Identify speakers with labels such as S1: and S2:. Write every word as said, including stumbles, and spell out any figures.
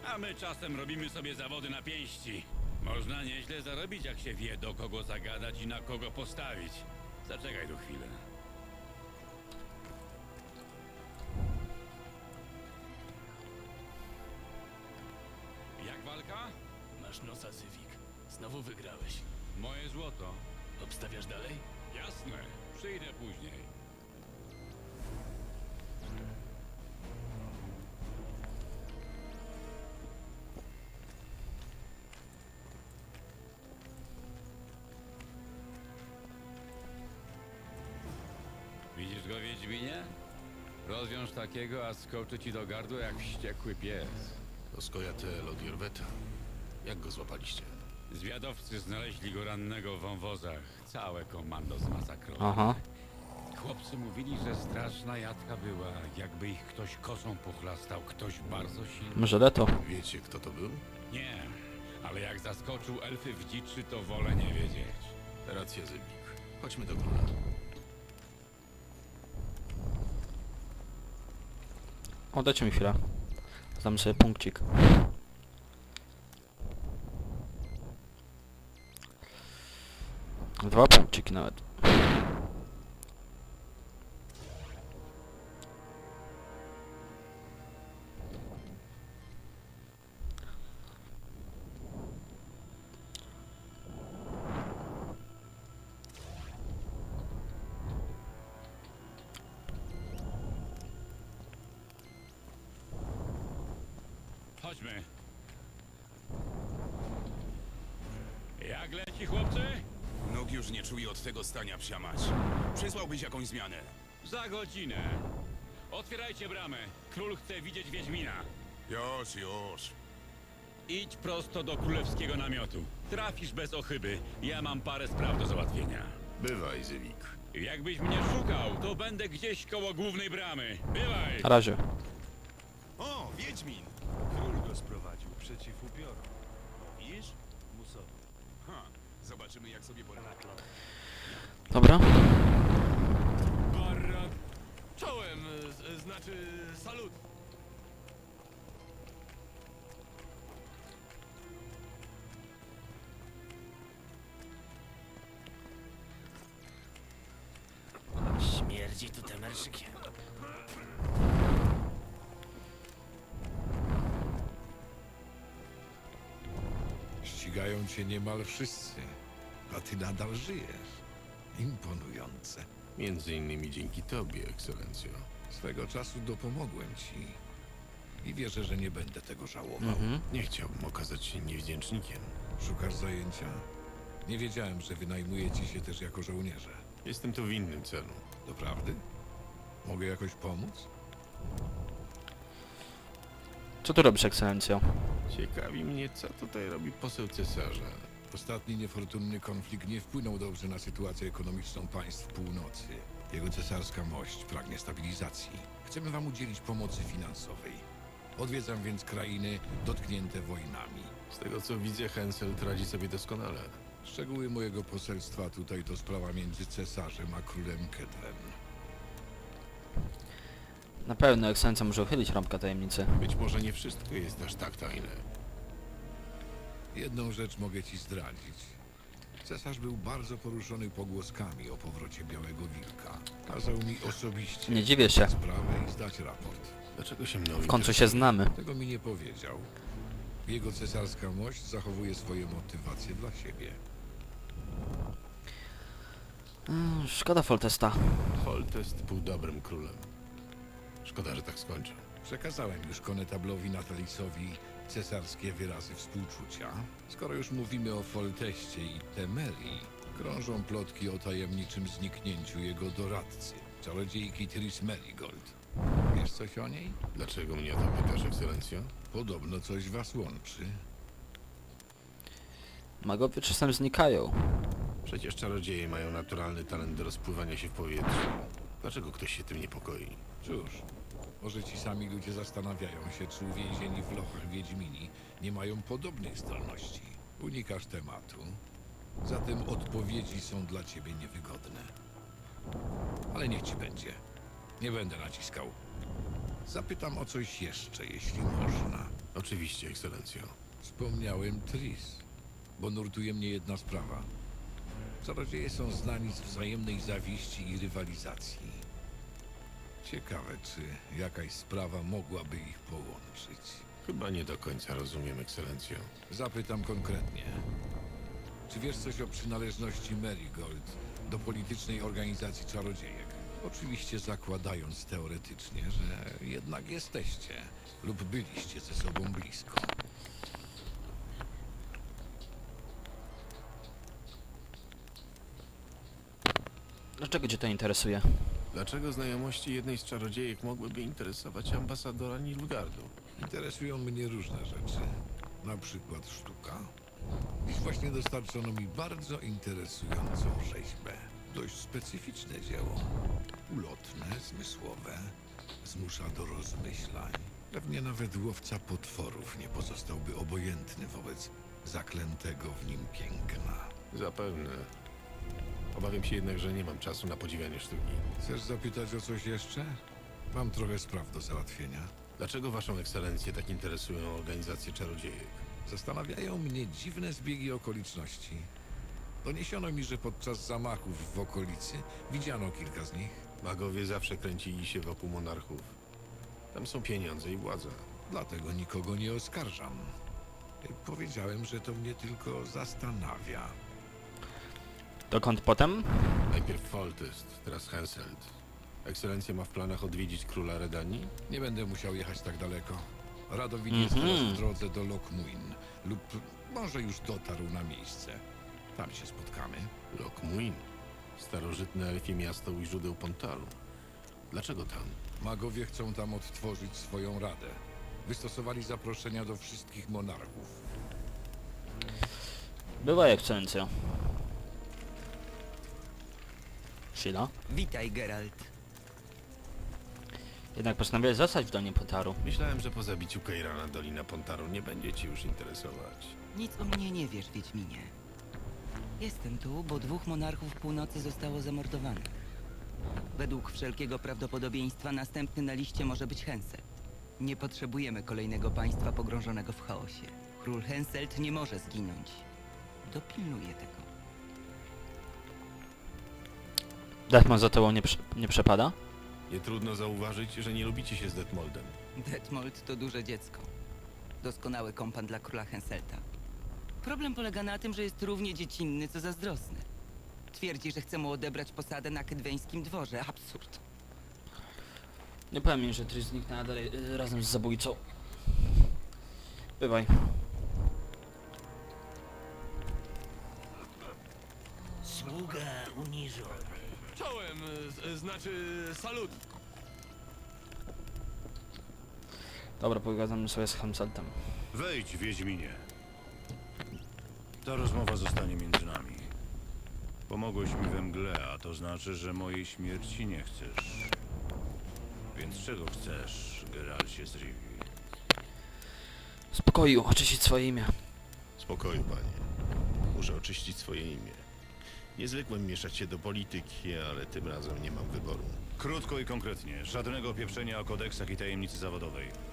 S1: A my czasem robimy sobie zawody na pięści. Można nieźle zarobić, jak się wie, do kogo zagadać i na kogo postawić. Zaczekaj tu chwilę. Jak walka?
S2: Masz nosa, Zywik. Znowu wygrałeś.
S1: Moje złoto.
S2: Obstawiasz dalej?
S1: Jasne, przyjdę później. Widzisz go, Wiedźminie? Rozwiąż takiego, a skoczy ci do gardła jak wściekły pies.
S3: To Skojatel od Jorweta. Jak go złapaliście?
S1: Zwiadowcy znaleźli go rannego w wąwozach. Całe komando zmasakrowało.
S4: Aha.
S1: Chłopcy mówili, że straszna jadka była. Jakby ich ktoś kosą pochlastał. Ktoś bardzo silny.
S4: Może Leto.
S3: Wiecie, kto to był?
S1: Nie, ale jak zaskoczył elfy w dziczy, to wolę nie wiedzieć.
S3: Racja, Zybik. Chodźmy do króla.
S4: O, dajcie mi chwilę. Dam sobie punkcik. Dwa punkciki nawet.
S1: Chodźmy. Jak leci, chłopcy?
S5: Nóg już nie czuję od tego stania, psia mać. Przysłałbyś jakąś zmianę.
S1: Za godzinę. Otwierajcie bramę. Król chce widzieć Wiedźmina.
S5: Już, już.
S1: Idź prosto do królewskiego namiotu. Trafisz bez ochyby. Ja mam parę spraw do załatwienia.
S3: Bywaj, Zybik.
S1: Jakbyś mnie szukał, to będę gdzieś koło głównej bramy. Bywaj!
S4: Na razie.
S5: O, Wiedźmin!
S6: Król go sprowadził przeciw upiorom. Widzisz? Musowi.
S5: Ha, zobaczymy jak sobie poradzi.
S4: Dobra.
S2: Barra... Czołem, z, znaczy salut. Śmierdzi tu temerszykiem.
S7: Ścigają cię niemal wszyscy, a ty nadal żyjesz. Imponujące.
S3: Między innymi dzięki tobie, ekscelencjo.
S7: Swego czasu dopomogłem ci i wierzę, że nie będę tego żałował.
S4: Mhm.
S3: Nie chciałbym okazać się niewdzięcznikiem.
S7: Szukasz zajęcia? Nie wiedziałem, że wynajmujecie się też jako żołnierze.
S3: Jestem tu w innym celu.
S7: Doprawdy? Mogę jakoś pomóc?
S4: Co tu robisz, ekscelencjo?
S3: Ciekawi mnie, co tutaj robi poseł cesarza.
S7: Ostatni niefortunny konflikt nie wpłynął dobrze na sytuację ekonomiczną państw północy. Jego cesarska mość pragnie stabilizacji. Chcemy wam udzielić pomocy finansowej. Odwiedzam więc krainy dotknięte wojnami.
S3: Z tego co widzę, Henselt radzi sobie doskonale.
S7: Szczegóły mojego poselstwa tutaj to sprawa między cesarzem a królem Kedwen.
S4: Na pewno ekscelencja może uchylić rąbka tajemnicy.
S3: Być może nie wszystko jest aż tak tajne.
S7: Jedną rzecz mogę ci zdradzić. Cesarz był bardzo poruszony pogłoskami o powrocie Białego Wilka. Kazał mi osobiście
S4: Nie dziwię się.
S7: sprawę i zdać raport.
S3: Dlaczego się mną
S4: W końcu się znamy.
S7: Tego mi nie powiedział. Jego cesarska mość zachowuje swoje motywacje dla siebie.
S4: Mm, szkoda Foltesta.
S3: Foltest był dobrym królem. Szkoda, że tak skończył.
S7: Przekazałem już konetablowi Natalisowi cesarskie wyrazy współczucia. Skoro już mówimy o Folteście i Temerii, krążą plotki o tajemniczym zniknięciu jego doradcy, czarodziejki Tris Merigold. Wiesz coś o niej?
S3: Dlaczego mnie o to pytasz, ekscelencjo?
S7: Podobno coś was łączy.
S4: Magowie czasem znikają.
S3: Przecież czarodzieje mają naturalny talent do rozpływania się w powietrzu. Dlaczego ktoś się tym niepokoi?
S7: Cóż, może ci sami ludzie zastanawiają się, czy uwięzieni w lochach Wiedźmini nie mają podobnych zdolności. Unikasz tematu, zatem odpowiedzi są dla ciebie niewygodne. Ale niech ci będzie. Nie będę naciskał. Zapytam o coś jeszcze, jeśli można.
S3: Oczywiście, ekscelencjo.
S7: Wspomniałem Tris, bo nurtuje mnie jedna sprawa. Czarodzieje są znani z wzajemnej zawiści i rywalizacji. Ciekawe, czy jakaś sprawa mogłaby ich połączyć.
S3: Chyba nie do końca rozumiem, ekscelencjo.
S7: Zapytam konkretnie. Czy wiesz coś o przynależności Marigold do politycznej organizacji czarodziejek? Oczywiście zakładając teoretycznie, że jednak jesteście lub byliście ze sobą blisko.
S4: Dlaczego cię to interesuje?
S3: Dlaczego znajomości jednej z czarodziejek mogłyby interesować ambasadora Nilfgaardu?
S7: Interesują mnie różne rzeczy. Na przykład sztuka. Dziś właśnie dostarczono mi bardzo interesującą rzeźbę. Dość specyficzne dzieło. Ulotne, zmysłowe. Zmusza do rozmyślań. Pewnie nawet łowca potworów nie pozostałby obojętny wobec zaklętego w nim piękna.
S3: Zapewne. Obawiam się jednak, że nie mam czasu na podziwianie sztuki.
S7: Chcesz zapytać o coś jeszcze? Mam trochę spraw do załatwienia.
S3: Dlaczego waszą ekscelencję tak interesują organizacje czarodziejek?
S7: Zastanawiają mnie dziwne zbiegi okoliczności. Doniesiono mi, że podczas zamachów w okolicy widziano kilka z nich.
S3: Magowie zawsze kręcili się wokół monarchów. Tam są pieniądze i władza.
S7: Dlatego nikogo nie oskarżam. Powiedziałem, że to mnie tylko zastanawia.
S4: Dokąd potem?
S3: Najpierw Foltest, teraz Henselt. Ekscelencja ma w planach odwiedzić króla Redanii?
S7: Nie będę musiał jechać tak daleko. Radowid jest
S4: Mhm.
S7: teraz w drodze do Lokmuin. Lub może już dotarł na miejsce. Tam się spotkamy.
S3: Lokmuin. Starożytne elfie miasto u źródeł Pontaru. Dlaczego tam?
S7: Magowie chcą tam odtworzyć swoją radę. Wystosowali zaproszenia do wszystkich monarchów.
S4: Bywaj, ekscelencjo. Chwila.
S8: Witaj, Geralt.
S4: Jednak postanowiłeś zostać w Donie Potaru.
S3: Myślałem, że po zabiciu Keirana Dolina Pontaru nie będzie ci już interesować.
S8: Nic o mnie nie wiesz, Wiedźminie. Jestem tu, bo dwóch monarchów północy zostało zamordowanych. Według wszelkiego prawdopodobieństwa następny na liście może być Henselt. Nie potrzebujemy kolejnego państwa pogrążonego w chaosie. Król Henselt nie może zginąć. Dopilnuję tego.
S4: Detmon za tobą nie, prze nie przepada?
S3: Nie trudno zauważyć, że nie lubicie się z Detmoldem.
S8: Detmold to duże dziecko. Doskonały kompan dla króla Henselta. Problem polega na tym, że jest równie dziecinny, co zazdrosny. Twierdzi, że chce mu odebrać posadę na kedweńskim dworze. Absurd.
S4: Nie powiem mi, że Tris zniknęła dalej, y, razem z zabójcą. Bywaj.
S9: Sługa uniżony.
S2: Czołem, z, znaczy salut.
S4: Dobra, pogadamy sobie z Henseltem.
S6: Wejdź, Wiedźminie. Ta rozmowa zostanie między nami. Pomogłeś mi we mgle, a to znaczy, że mojej śmierci nie chcesz. Więc czego chcesz, Geralcie z Rivii?
S4: Spokoju, oczyścić swoje imię.
S3: Spokoju, panie. Muszę oczyścić swoje imię. Nie zwykłem mieszać się do polityki, ale tym razem nie mam wyboru.
S6: Krótko i konkretnie. Żadnego pieprzenia o kodeksach i tajemnicy zawodowej.